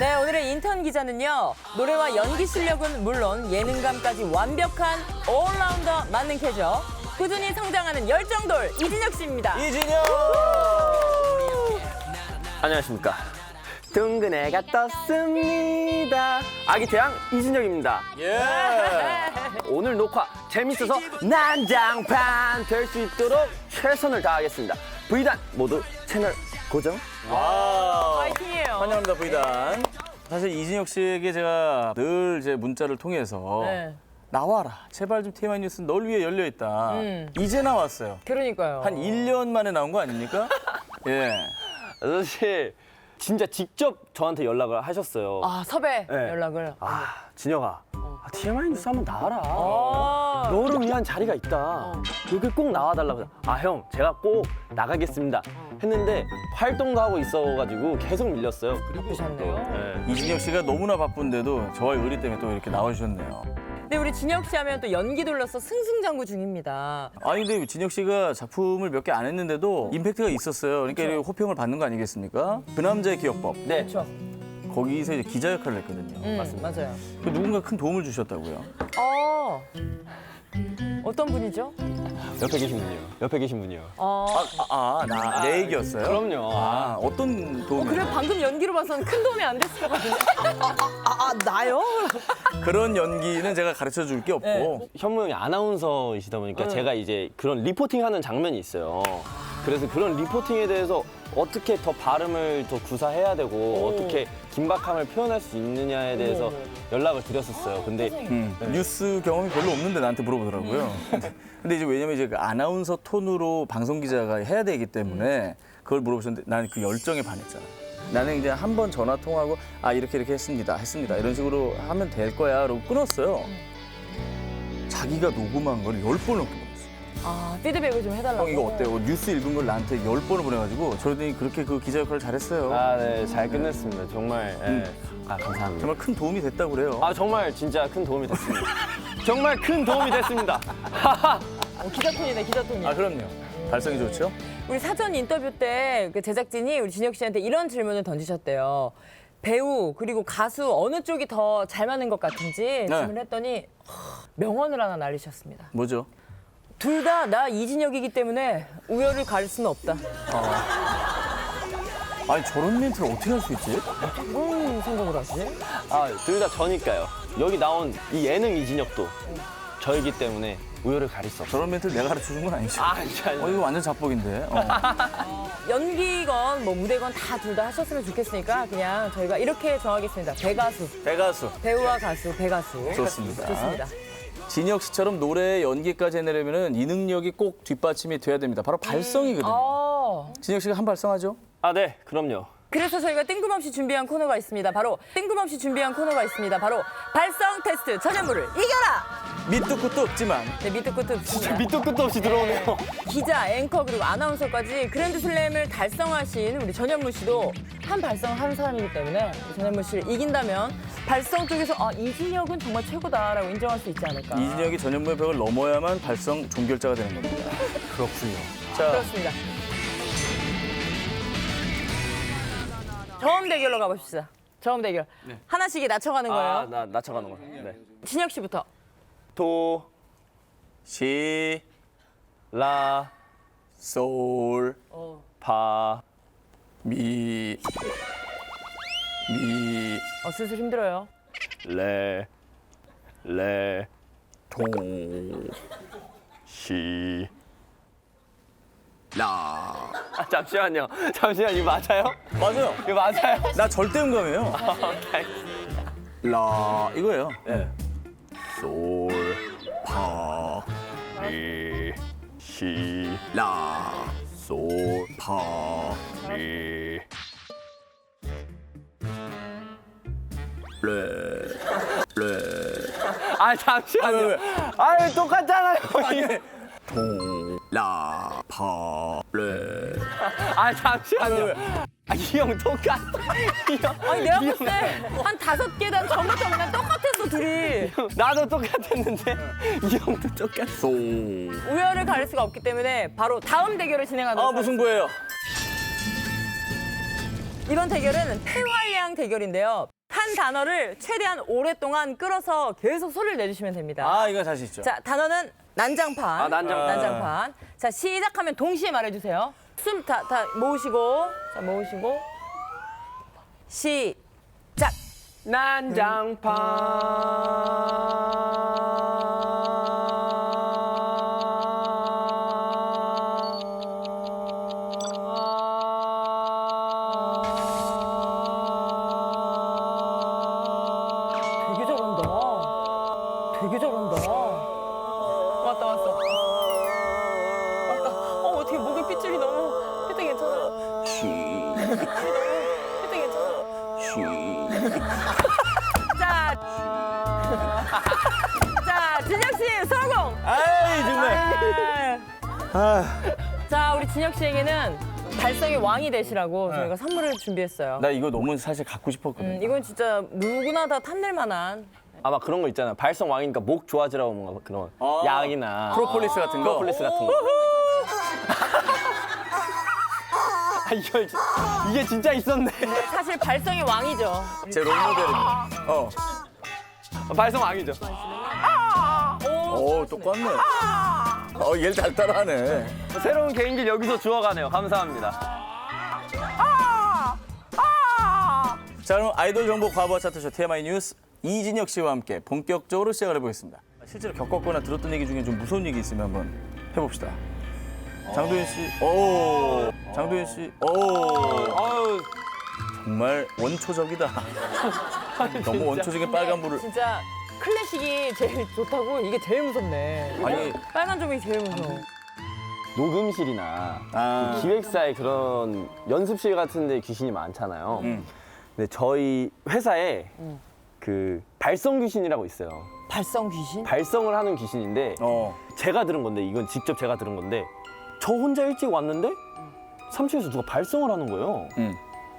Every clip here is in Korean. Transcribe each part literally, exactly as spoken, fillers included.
네, 오늘의 인턴 기자는요. 노래와 연기 실력은 물론 예능감까지 완벽한 올라운더 만능캐죠. 꾸준히 성장하는 열정돌 이진혁 씨입니다. 이진혁! 안녕하십니까. 둥근 애가 떴습니다. 아기 태양 이진혁입니다. 예. 오늘 녹화 재밌어서 난장판 될 수 있도록 최선을 다하겠습니다. 브이단 모두 채널 고정. 와. 파이팅이에요. 환영합니다, 브이단. 사실 이진혁 씨에게 제가 늘 제 문자를 통해서 네. 나와라. 제발 좀 티엠아이 뉴스 널 위해 열려 있다. 음. 이제 나왔어요. 그러니까요. 한 일 년 만에 나온 거 아닙니까? 예. 사실 진짜 직접 저한테 연락을 하셨어요. 아, 섭외 네. 연락을. 아, 진혁아. 아, 티엠아이 뉴스 한번 나와라. 어. 너를 위한 자리가 있다. 여기 꼭 나와달라고. 아, 형, 제가 꼭 나가겠습니다. 했는데 활동도 하고 있어가지고 계속 밀렸어요. 바쁘셨네요. 네. 이진혁 씨가 너무나 바쁜데도 저의 의리 때문에 또 이렇게 나와주셨네요. 근데 우리 진혁 씨 하면 또 연기 돌려서 승승장구 중입니다. 아니 근데 진혁 씨가 작품을 몇 개 안 했는데도 임팩트가 있었어요. 그러니까 이렇게 호평을 받는 거 아니겠습니까? 그 남자의 기억법. 네. 그렇죠. 거기서 이제 기자 역할을 했거든요. 음, 맞아요. 그 누군가 큰 도움을 주셨다고요. 어. 어떤 분이죠? 옆에 계신 분이요. 옆에 계신 분이요. 어. 아, 나, 내 얘기였어요? 그럼요. 아, 어떤 도움이? 그래 방금 연기로 봐서는 큰 도움이 안 됐을 것 같은데. 아, 아, 아, 나요? 그런 연기는 제가 가르쳐 줄 게 없고. 네. 현무 형이 아나운서이시다 보니까 응. 제가 이제 그런 리포팅하는 장면이 있어요. 그래서 그런 리포팅에 대해서 어떻게 더 발음을 더 구사해야 되고 오. 어떻게 긴박함을 표현할 수 있느냐에 대해서 어머, 어머. 연락을 드렸었어요. 근데 음, 뉴스 경험이 별로 없는데 나한테 물어보더라고요. 근데 이제 왜냐면 이제 그 아나운서 톤으로 방송 기자가 해야 되기 때문에 그걸 물어보셨는데 나는 그 열정에 반했잖아. 나는 이제 한 번 전화 통화하고 아 이렇게 이렇게 했습니다, 했습니다 이런 식으로 하면 될 거야 라고 끊었어요. 자기가 녹음한 걸 열 번 넘게 보냈어. 아 피드백을 좀 해달라고. 형 이거 어때요? 뉴스 읽은 걸 나한테 열 번을 보내가지고 저러더니 그렇게 그 기자 역할을 잘했어요. 아, 네, 잘 끝냈습니다. 정말. 예. 음. 아, 감사합니다. 정말 큰 도움이 됐다고 그래요. 아, 정말 진짜 큰 도움이 됐습니다. 정말 큰 도움이 됐습니다. 어, 기자톤이네 기자톤이. 아 그럼요. 발성이 좋죠? 우리 사전 인터뷰 때 그 제작진이 우리 진혁 씨한테 이런 질문을 던지셨대요. 배우 그리고 가수 어느 쪽이 더 잘 맞는 것 같은지 질문했더니 하, 명언을 하나 날리셨습니다. 뭐죠? 둘 다 나 이진혁이기 때문에 우열을 가릴 수는 없다. 아니 저런 멘트를 어떻게 할 수 있지? 뭔 생각을 하시지? 아, 둘 다 저니까요. 여기 나온 이 예능 이진혁도 저이기 때문에 우열을 가릴 수 없어요. 저런 멘트를 내가 가르쳐 준 건 아니죠? 아, 아니, 아니. 어, 이거 완전 자뻑인데. 어. 연기건 뭐 무대건 다 둘 다 하셨으면 좋겠으니까 그냥 저희가 이렇게 정하겠습니다. 배가수. 배가수. 배우와 가수, 배가수. 좋습니다. 좋습니다. 진혁 씨처럼 노래 연기까지 해내려면 이 능력이 꼭 뒷받침이 돼야 됩니다. 바로 발성이거든요. 어. 진혁 씨가 한 발성하죠? 아, 네, 그럼요. 그래서 저희가 뜬금없이 준비한 코너가 있습니다. 바로 뜬금없이 준비한 코너가 있습니다. 바로 발성 테스트 전현무를 이겨라. 밑도 끝도 없지만 네, 밑도 끝도 없습니다. 밑도 끝도 없이 들어오네요. 기자, 앵커 그리고 아나운서까지 그랜드슬램을 달성하신 우리 전현무 씨도 한 발성한 사람이기 때문에 전현무 씨를 이긴다면 발성 쪽에서 아, 이진혁은 정말 최고다라고 인정할 수 있지 않을까. 이진혁이 전현무의 벽을 넘어야만 발성 종결자가 되는 겁니다. 그렇군요. 자, 그렇습니다. 저음 대결로 가봅시다. 저음 대결. 하나씩 낮춰가는 거예요. 아, 나 낮춰가는 거. 네. 진혁 씨부터. 도, 시, 라, 솔, 파, 미, 미, 어, 슬슬 힘들어요. 레, 레, 도, 시. 라. 아, 잠시만요. 잠시만, 이거 맞아요? 맞아요. 이거 맞아요? 나 절대 음감이에요. 오케이. 라 이거예요. 네. 솔, 파, 리, 시, 라, 솔, 파, 리. 레, 레. 아, 잠시만요. 아, 왜, 왜? 아니, 똑같잖아요. 도, 라, 파, 레. 아, 잠시만요. 왜, 왜? 아, 이 형 똑같아. 이 형. 아니 내가 이 봤을 때 한 다섯 계단 전부터 그냥 똑같았어 둘이. 형, 나도 똑같았는데 이 형도 똑같아. 소. 우열을 가릴 수가 없기 때문에 바로 다음 대결을 진행하도록 아 무슨 거예요? 이번 대결은 폐활량 대결인데요. 한 단어를 최대한 오랫동안 끌어서 계속 소리를 내주시면 됩니다. 아, 이거 자신 있죠. 자, 단어는 난장판. 아, 난장판. 난장판. 자, 시작하면 동시에 말해주세요. 숨 다, 다 모으시고. 자, 모으시고. 시작. 난장판. 되게 잘한다. 되게 잘한다. 왔다, 왔어. 왔다. 어, 어떻게 목에 핏줄이 너무. 핏대 괜찮아. 핏대 괜찮아. 자. 자, 진혁 씨 성공! 아이, 정말. 아, 자, 우리 진혁 씨에게는 발성의 왕이 되시라고 저희가 선물을 준비했어요. 나 이거 너무 사실 갖고 싶었거든. 음, 이건 진짜 누구나 다 탐낼 만한 아마 그런 거 있잖아. 발성 왕이니까 목 좋아지라고 뭔가 그런 아. 약이나 프로폴리스 같은 거. 프로폴리스 같은 거. 아, 이걸 진- 이게 진짜 있었네. 사실 발성의 왕이죠. 제 롤모델입니다. 어. 발성 왕이죠. 오, 똑같네. 어, 얘를 잘 따라하네. 새로운 개인기를 여기서 주워가네요. 감사합니다. 자, 그럼 아이돌 정보 과부하 차트쇼 티엠아이 뉴스 이진혁 씨와 함께 본격적으로 시작을 해보겠습니다. 실제로 겪었거나 들었던 얘기 중에 좀 무서운 얘기 있으면 한번 해봅시다. 장도연 씨, 오, 장도연 씨, 오, 아유, 정말 원초적이다. 너무 원초적인 빨간불을. 진짜 클래식이 제일 좋다고 이게 제일 무섭네. 아니. 빨간 조명이 제일 무서워. 녹음실이나 아. 그 기획사의 그런 연습실 같은 데 귀신이 많잖아요. 음. 근데 저희 회사에 그 발성 귀신이라고 있어요. 발성 귀신? 발성을 하는 귀신인데 어. 제가 들은 건데 이건 직접 제가 들은 건데 저 혼자 일찍 왔는데 삼 층에서 누가 발성을 하는 거예요. 음.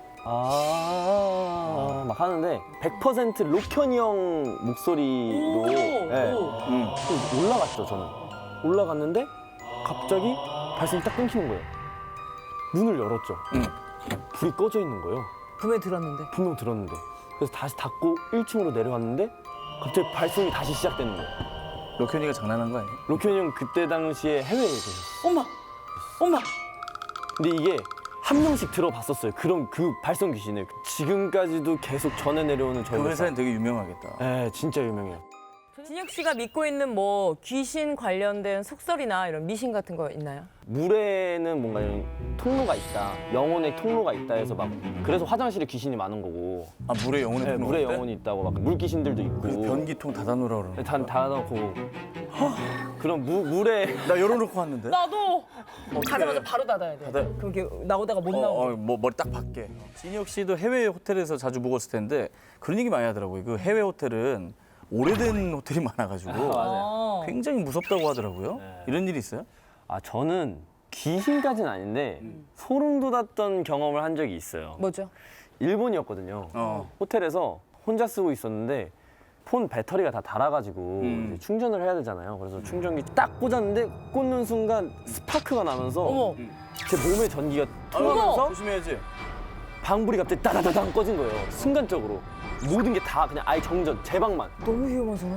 아, 막 하는데 백 퍼센트 로현이 형 목소리로 네. 음. 또 올라갔죠, 저는. 올라갔는데 갑자기 발성이 딱 끊기는 거예요. 문을 열었죠. 음. 불이 꺼져 있는 거예요. 분명히 들었는데. 분명 들었는데. 그래서 다시 닫고 일 층으로 내려왔는데 갑자기 발성이 다시 시작되는 거예요. 로현이가 장난한 거 아니에요? 로현이 형 그때 당시에 해외에 계셨어요. 엄마! 엄마! 근데 이게 한 명씩 들어봤었어요. 그런 그 발성 귀신을 지금까지도 계속 전해 내려오는 저희 그 회사. 회사는 되게 유명하겠다. 네, 진짜 유명해요. 진혁 씨가 믿고 있는 뭐 귀신 관련된 속설이나 이런 미신 같은 거 있나요? 물에는 뭔가 이런 통로가 있다. 영혼의 통로가 있다 해서 막 그래서 화장실에 귀신이 많은 거고. 아, 물에 영혼의 네, 통로가 물에 있대? 영혼이 있다고 막 물 귀신들도 있고. 그래서 변기통 닫아놓으라 그러는 네, 거야. 다, 다 넣고. 그런 무, 물에 나 열어놓고 왔는데? 나도! 가자마자 바로 닫아야 돼. 닫아요? 그럼 이렇게 나오다가 못 어, 나오고. 어, 뭐 머리 딱 밖에. 진혁 씨도 해외 호텔에서 자주 묵었을 텐데 그런 얘기 많이 하더라고요. 그 해외 호텔은 오래된 호텔이 많아가지고 어. 굉장히 무섭다고 하더라고요. 네. 이런 일이 있어요? 아 저는 귀신까지는 아닌데 소름 돋았던 경험을 한 적이 있어요. 뭐죠? 일본이었거든요. 어. 호텔에서 혼자 쓰고 있었는데 폰 배터리가 다 닳아가지고 음. 이제 충전을 해야 되잖아요. 그래서 충전기 딱 꽂았는데 꽂는 순간 스파크가 나면서 어머. 제 몸의 전기가 어머. 통하면서 조심해야지. 방불이 갑자기 따다다당 꺼진 거예요. 순간적으로. 모든 게 다 그냥 아예 정전, 제 방만. 너무 위험하잖아.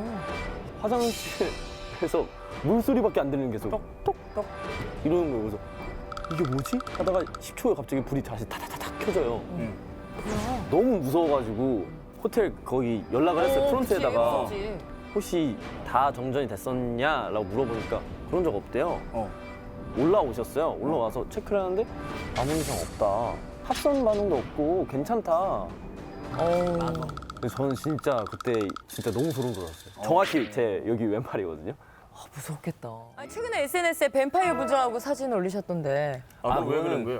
화장실에서 물소리밖에 안 들리는 게 계속 똑똑똑 이러는 거예요. 그래서 이게 뭐지? 하다가 십 초에 갑자기 불이 다시 타다다닥 켜져요. 응. 너무 무서워가지고 호텔 거기 연락을 했어요. 프론트에다가 무섭지. 혹시 다 정전이 됐었냐라고 물어보니까 그런 적 없대요. 어. 올라오셨어요. 올라와서 체크를 하는데 아무 이상 없다. 합선 반응도 없고 괜찮다. 어. 그래서 저는 진짜 그때 진짜 너무 소름 돋았어요. 정확히 제 여기 왼팔이거든요. 아, 무섭겠다. 아니, 최근에 에스엔에스에 뱀파이어 부자하고 사진 올리셨던데. 아, 왜 그거는 그런 거예요?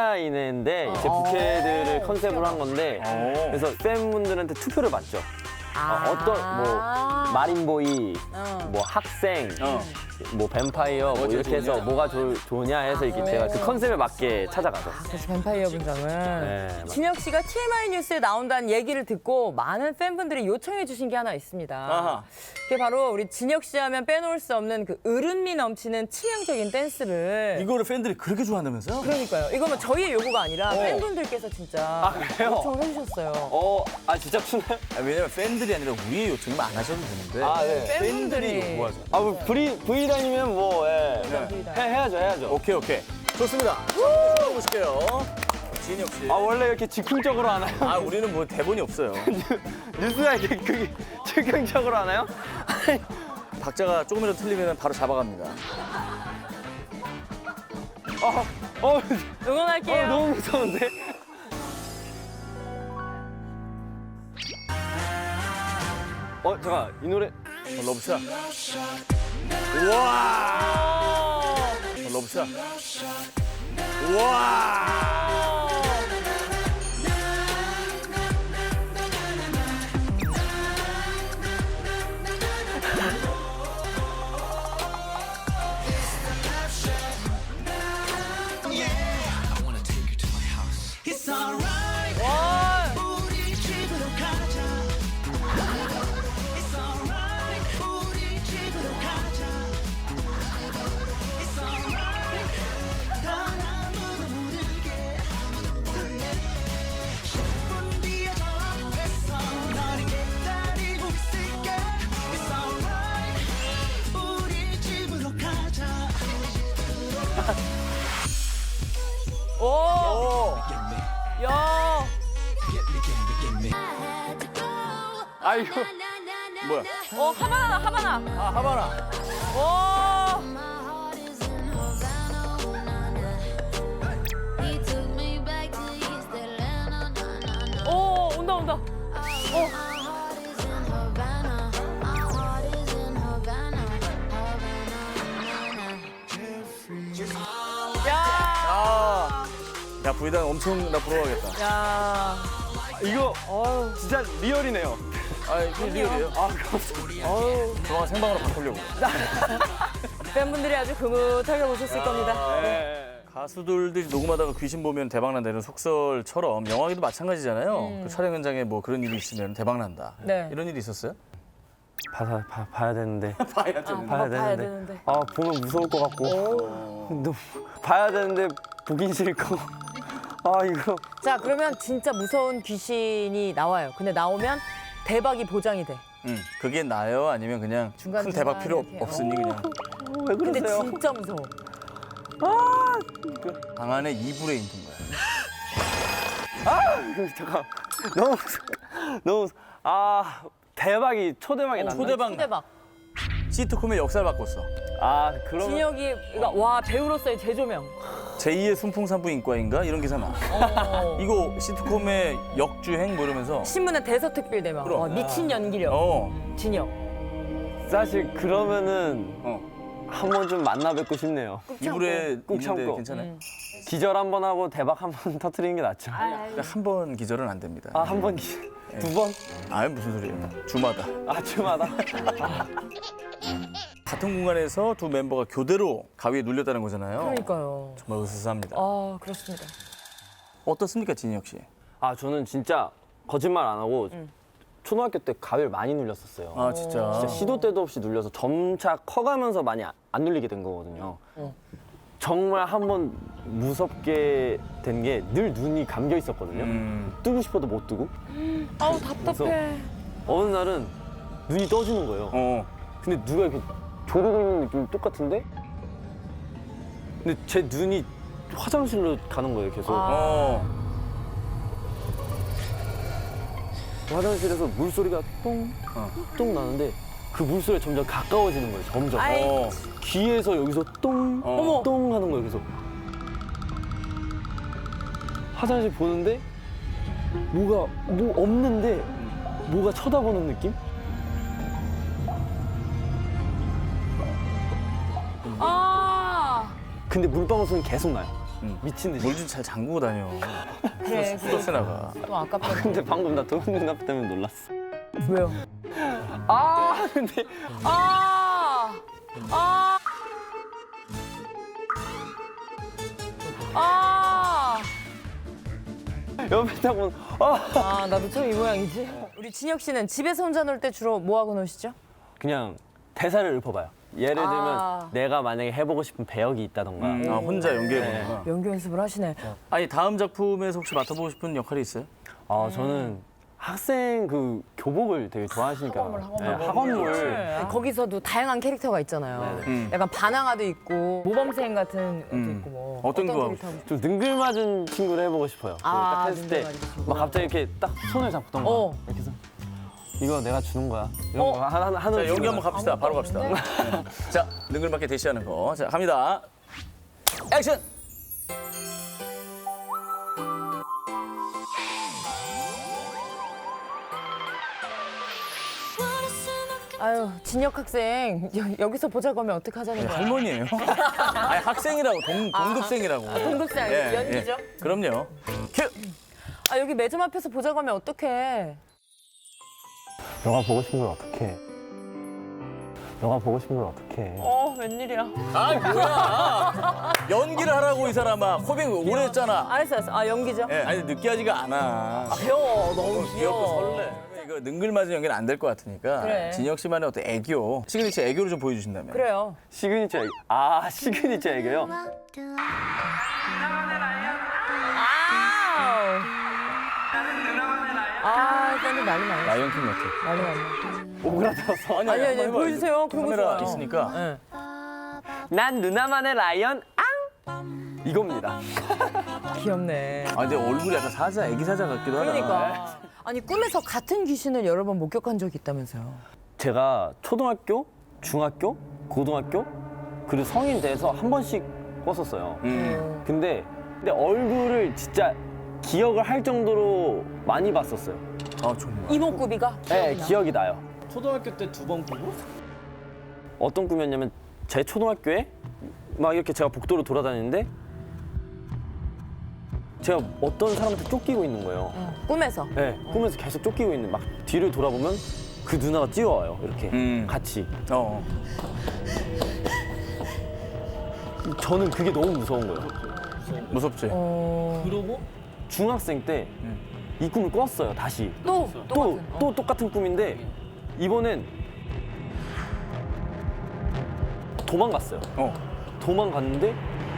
팬사인회인데 제 어. 부캐들을 어, 컨셉으로 한 건데 어. 그래서 팬분들한테 투표를 받죠. 아. 어, 어떤 뭐 마린보이, 어. 뭐 학생, 어. 뭐 뱀파이어 뭐 뭐가 이렇게 해서 좋냐? 뭐가 좋, 좋냐 해서 이렇게 제가 그 컨셉에 맞게 찾아가죠. 그래서 뱀파이어 분장을. 네, 진혁 씨가 티엠아이 뉴스에 나온다는 얘기를 듣고 많은 팬분들이 요청해 주신 게 하나 있습니다. 아하. 그게 바로 우리 진혁 씨 하면 빼놓을 수 없는 그 으름미 넘치는 치명적인 댄스를. 이거를 팬들이 그렇게 좋아한다면서요? 그러니까요. 이거 뭐 저희의 요구가 아니라 팬분들께서 진짜 아, 그래요? 요청을 해주셨어요. 어, 아 진짜 추나요? 아, 왜냐면 팬들이 아니라 우리의 요청이면 안 하셔도 되는데 아, 네. 팬분들이 요구하죠. 아, 뭐 브이 브이 다니면 뭐 예. 팬분들이다. 해 해야죠, 해야죠. 오케이 오케이 좋습니다. 자, 보실게요. 진혁 씨. 아 원래 이렇게 즉흥적으로 하나요? 아 우리는 뭐 대본이 없어요. 뉴스가 이렇게 그게 즉흥적으로 하나요? 박자가 조금이라도 틀리면 바로 잡아갑니다. 어, 어, 응원할게요. 어 너무 무서운데? 어 잠깐 이 노래 어, 러브샷. 우와. 어, 러브샷. 우와. 오. 오. 야. 아 이거 뭐야? 어 하바나 하바나. 아 하바나. 오. 오 온다 온다. 야. 아. 야 부이단 엄청 나 부러워하겠다. 야. 이거 진짜 리얼이네요. 아 이게 리얼이에요. 아 감사합니다. 어우. 조만간 생방으로 바꾸려고. 팬분들이 아주 흐뭇하게 보셨을 겁니다. 네. 가수들들이 녹음하다가 귀신 보면 대박 난다 이런 속설처럼 영화에도 마찬가지잖아요. 그 촬영 현장에 뭐 그런 일이 있으면 대박 난다. 네. 이런 일이 있었어요? 봐야 봐, 봐야 되는데. 봐야 아, 봐야 봐야 되는데. 되는데. 아 보면 무서울 것 같고. 너무 봐야 되는데 보긴 싫고. 아 이거. 자 그러면 진짜 무서운 귀신이 나와요. 근데 나오면 대박이 보장이 돼. 응. 그게 나요? 아니면 그냥 중간 큰 대박 필요 이렇게. 없으니 그냥 왜 근데 그러세요? 진짜 무서워. 방 안에 이불에 있는 거야. 잠깐. 너무 무서워. 너무 무서워. 아 대박이 초대박이 났네. 초대박. 초대박. 시트콤의 역사를 바꿨어. 아 그러면. 진혁이 그러니까 와 배우로서의 재조명. 제이의 순풍산부 인과인가 이런 기사 나. 어. 이거 시트콤의 역주행 뭐 이러면서. 신문에 대서특필 대명. 그럼. 와, 미친 연기력. 어. 진혁. 사실 그러면은 어. 한 번 좀 만나 뵙고 싶네요. 이불에 꼭 있는데 참고. 괜찮아요? 음. 기절 한 번 하고 대박 한 번 터트리는 게 낫죠. 한 번 기절은 안 됩니다. 아 한 번 기, 두 번? 아이 무슨 소리예요? 주마다. 아침마다. 같은 공간에서 두 멤버가 교대로 가위에 눌렸다는 거잖아요. 그러니까요. 정말 으스스합니다. 아 그렇습니다. 어떻습니까, 진혁 씨? 아 저는 진짜 거짓말 안 하고 초등학교 때 가위를 많이 눌렸었어요. 아 진짜. 진짜 시도 때도 없이 눌려서 점차 커가면서 많이 안- 안 눌리게 된 거거든요. 어. 정말 한 번 무섭게 된 게 늘 눈이 감겨 있었거든요. 음. 뜨고 싶어도 못 뜨고 아우 답답해. 어느 날은 눈이 떠지는 거예요. 어. 근데 누가 이렇게 조르고 있는 느낌이 똑같은데? 근데 제 눈이 화장실로 가는 거예요, 계속. 아. 어. 화장실에서 물소리가 똥, 똥 나는데 그 물소리가 점점 가까워지는 거예요, 점점. 아이. 어. 귀에서 여기서 똥, 어머. 똥 하는 거예요, 계속. 화장실 보는데 뭐가, 뭐 없는데 뭐가 쳐다보는 느낌? 아 근데 물방울 소리는 계속 나요. 음. 미친 듯이. 물 좀 잘 잠그고 다녀. 그래. 플러스 나가. 또 아깝다. 근데 방금 나 도훈 눈앞 때문에 놀랐어. 왜요? 아 근데 아! 아! 아! 옆에 딱 보면 아 아, 나도 처음 이 모양이지. 우리 진혁 씨는 집에서 혼자 놀 때 주로 뭐 하고 노시죠? 그냥 대사를 읊어봐요. 예를 들면 아. 내가 만약에 해보고 싶은 배역이 있다던가 음, 아, 혼자 연기해보는구나. 연기 연습을 하시네. 아니 다음 작품에서 혹시 맡아보고 싶은 역할이 있어요? 아 저는 학생 그 교복을 되게 좋아하시니까 학원물, 학원물. 네, 학원물 네, 거기서도 다양한 캐릭터가 있잖아요. 음. 약간 반항아도 있고 모범생 같은 것도 음. 있고 뭐 어떤 거 하고 캐릭터 하고 좀 능글맞은 친구를 해보고 싶어요. 아, 딱 했을 때 능글맞은 친구. 막 갑자기 이렇게 딱 손을 잡던 거 어. 이렇게 해서 이거 내가 주는 거야 이런 어. 거 하나 하나 하는 자, 연기 친구가. 한번 갑시다. 바로 갑시다. 없는데? 네. 자, 능글맞게 대시하는 거. 자, 갑니다. 액션! 아유 진혁 학생 여, 여기서 보자고 하면 어떻게 하자는 거야? 할머니예요. 아니, 학생이라고, 동, 동급생이라고. 동급생 아니에요? 연기죠? 그럼요. 큐! 아 여기 매점 앞에서 보자고 하면 어떡해? 너가 보고 싶은 걸 어떻게 너가 보고 싶은 걸 어떻게 어 웬일이야? 아, 뭐야. 연기를 하라고, 이 사람아. 코빅 오래 했잖아. 알았어 알았어. 아 연기죠? 예, 아니, 느끼하지가 않아. 귀여워 너무 귀엽고 귀여워. 설레. 이거 능글맞은 연기는 안 될 것 같으니까. 그래. 진혁 씨만의 어떤 애교. 시그니처 애교를 좀 보여주신다면. 그래요. 시그니처 애교 아 시그니처 애교요? 아우. 아 팬들 난리 나네. 라이언킹 같아. 난리 나네. 오그라들어서 아니, 아니, 아니, 한번 해봐. 보여주세요. 그런 거 카메라 좋아요. 있으니까. 네. 난 누나만의 라이언 앙 이겁니다. 귀엽네. 아, 근데 얼굴이 약간 사자, 애기 사자 같기도 하다. 그러니까. 아니 꿈에서 같은 귀신을 여러 번 목격한 적이 있다면서요? 제가 초등학교, 중학교, 고등학교 그리고 성인 돼서 한 번씩 꿨었어요. 음. 근데 근데 얼굴을 진짜 기억을 할 정도로 많이 봤었어요. 아, 정말. 이목구비가? 네, 기억이 나요. 초등학교 때 두 번 꾸고? 어떤 꿈이었냐면 제 초등학교에 막 이렇게 제가 복도로 돌아다니는데 제가 어떤 사람한테 쫓기고 있는 거예요. 응. 꿈에서. 네, 꿈에서 계속 쫓기고 있는 막 뒤를 돌아보면 그 누나가 뛰어와요. 이렇게 음. 같이. 어. 저는 그게 너무 무서운 거예요. 무섭지? 어... 그러고 중학생 때 이 꿈을 꿨어요. 다시. 또 또, 똑같은. 또 똑같은 꿈인데 이번엔 도망갔어요. 어. 도망갔는데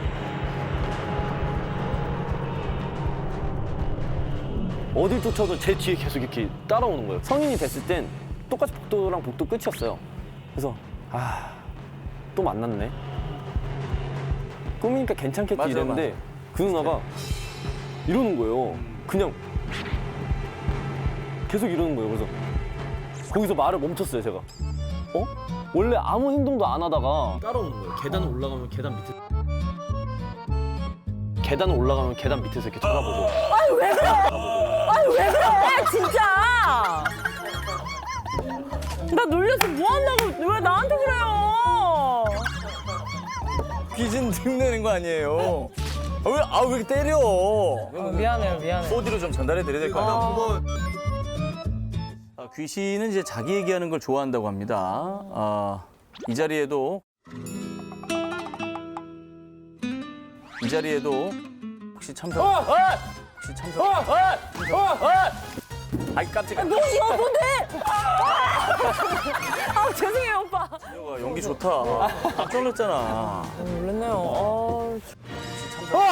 어딜 쫓아도 제 뒤에 계속 이렇게 따라오는 거예요. 성인이 됐을 땐 똑같이 복도랑 복도 끝이었어요. 그래서 아, 또 만났네. 꿈이니까 괜찮겠지 맞아, 이랬는데 그 누나가 이러는 거예요. 그냥 계속 이러는 거예요. 그래서 거기서 말을 멈췄어요, 제가. 어? 원래 아무 행동도 안 하다가 따라오는 거예요. 계단 올라가면 계단 밑에 계단을 올라가면 계단 밑에서 이렇게 쳐다보고 아유 왜 그래? 아유 왜 그래? 진짜. 나 놀려서 뭐 한다고 왜 나한테 그래요? 귀신 흉내는 거 아니에요. 아, 왜, 아, 왜 이렇게 때려? 어, 미안해요 미안해. 포디로 좀 전달해 드려야 될 것 같아요. 아, 귀신은 이제 자기 얘기하는 걸 좋아한다고 합니다. 아, 이 자리에도 이 자리에도 혹시 참석 혹시 참석 아이 깜짝이야. 뭐 이거 뭔데? 아 죄송해요 오빠. 아, 연기 좋다. 깜짝 놀랐잖아. 어, 놀랐네요. 아,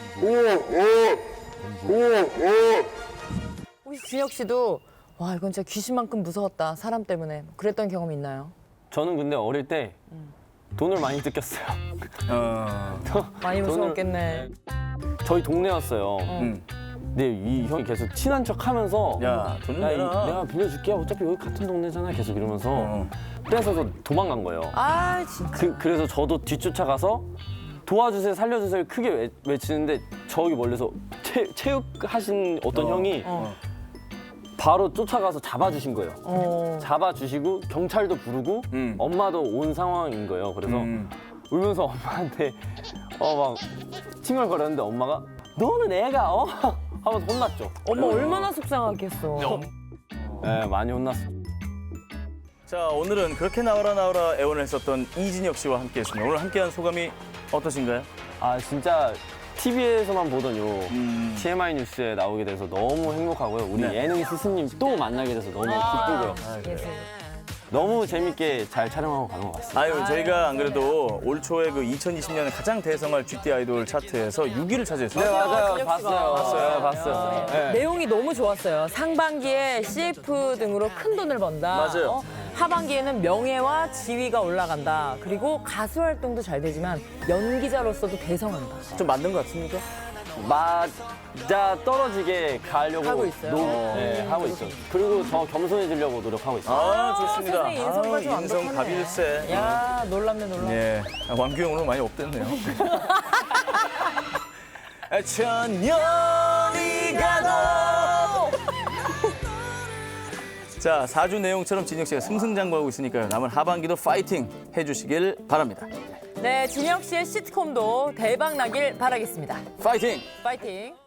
혹시 진혁 씨도 와 이건 진짜 귀신만큼 무서웠다 사람 때문에 그랬던 경험 있나요? 저는 근데 어릴 때 돈을 많이 뜯겼어요. 어, 많이 돈을- 무서웠겠네. 저희 동네였어요. 음. 근데 이 형이 계속 친한 척 하면서 야, 돈을 야, 이- 내라. 내가 빌려줄게. 어차피 여기 같은 동네잖아. 계속 이러면서 어. 뺏어서 도망간 거예요. 아 진짜. 그, 그래서 저도 뒤쫓아가서 도와주세요, 살려주세요 크게 외, 외치는데 저기 멀리서 체, 체육하신 어떤 어. 형이 어. 바로 쫓아가서 잡아주신 거예요. 어. 잡아주시고 경찰도 부르고 음. 엄마도 온 상황인 거예요. 그래서 음. 울면서 엄마한테 어 막 칭얼거렸는데 엄마가 너는 애가 어? 하면서 혼났죠. 엄마 얼마나 속상하겠어. 네, 많이 혼났어. 자, 오늘은 그렇게 나와라 나와라 애원을 했었던 이진혁 씨와 함께했습니다. 오늘 함께한 소감이 어떠신가요? 아 진짜 티비에서만 보던 요 음. 티엠아이 뉴스에 나오게 돼서 너무 행복하고요. 우리 네. 예능 스승님 또 만나게 돼서 너무 기쁘고요. 너무 재밌게 잘 촬영하고 가는 것 같습니다. 아유, 저희가 안 그래도 올 초에 그 이천이십 년에 가장 대성할 지티 아이돌 차트에서 육 위를 차지했어요. 네 맞아요. 진혁 씨가. 봤어요. 봤어요. 봤어요. 네. 내용이 너무 좋았어요. 상반기에 씨에프 등으로 큰 돈을 번다. 맞아요. 어? 하반기에는 명예와 지위가 올라간다. 그리고 가수 활동도 잘 되지만 연기자로서도 대성한다. 좀 만든 것 같습니까? 맞아 떨어지게 가려고 하고 있어요. 노- 네, 하고 있어요. 그리고 더 겸손해지려고 노력하고 있어요. 아, 좋습니다. 세상에 인성까지 아, 인성 완벽하네. 갑일세. 야, 놀랍네, 놀랍네. 예, 아, 왕규형 오늘 많이 업됐네요. 천년이 가도. 자, 사 주 내용처럼 진혁 씨가 승승장구하고 있으니까요. 남은 하반기도 파이팅 해주시길 바랍니다. 네, 진혁 씨의 시트콤도 대박 나길 바라겠습니다. 파이팅! 파이팅!